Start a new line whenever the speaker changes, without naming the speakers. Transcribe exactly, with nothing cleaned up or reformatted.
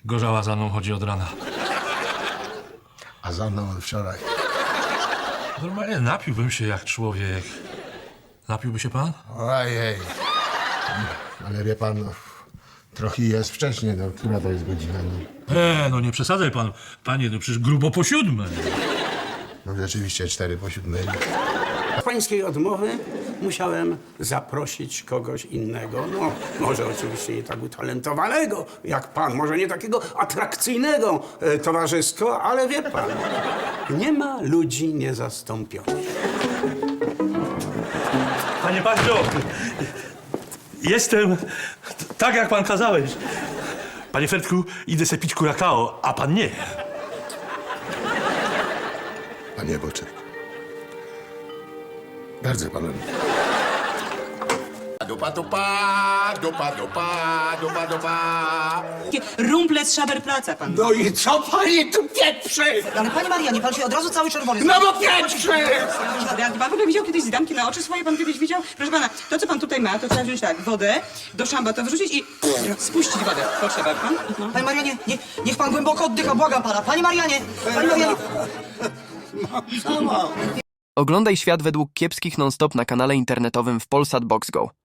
Gorzała za mną chodzi od rana.
A za mną od wczoraj.
Normalnie napiłbym się jak człowiek. Napiłby się pan?
Ojej. Ale wie pan, no, trochę jest wcześnie, no, która to jest godzina? No,
E, no nie przesadzaj pan. Panie, no przecież grubo po siódmej.
no rzeczywiście cztery po siódmej.
Z pańskiej odmowy musiałem zaprosić kogoś innego. No, może oczywiście nie tak utalentowanego jak pan, może nie takiego atrakcyjnego e, towarzysko, ale wie pan, nie ma ludzi niezastąpionych.
Panie Paździo, jestem t- tak, jak pan kazałeś. Panie Fertku, idę se pić kurakao, a pan nie.
Panie Boczek. Bardzo panu. Dupa, dupa, dupa, dupa, dupa, dupa.
Rumple z Szaberplaca, pan.
No i co pani tu pieprzy?
Ale panie Marianie, pan się od razu cały czerwony...
No bo pieprzy!
Jak pan w ogóle widział kiedyś zdanki na oczy swoje? Pan kiedyś widział? Proszę pana, to co pan tutaj ma, to trzeba wziąć tak, wodę, do szamba to wrzucić i spuścić wodę. To trzeba, pan. No.
Panie Marianie, nie, niech pan głęboko oddycha, błagam pana. Panie Marianie, panie Marianie.
Oglądaj świat według kiepskich non-stop na kanale internetowym w Polsat Box Go.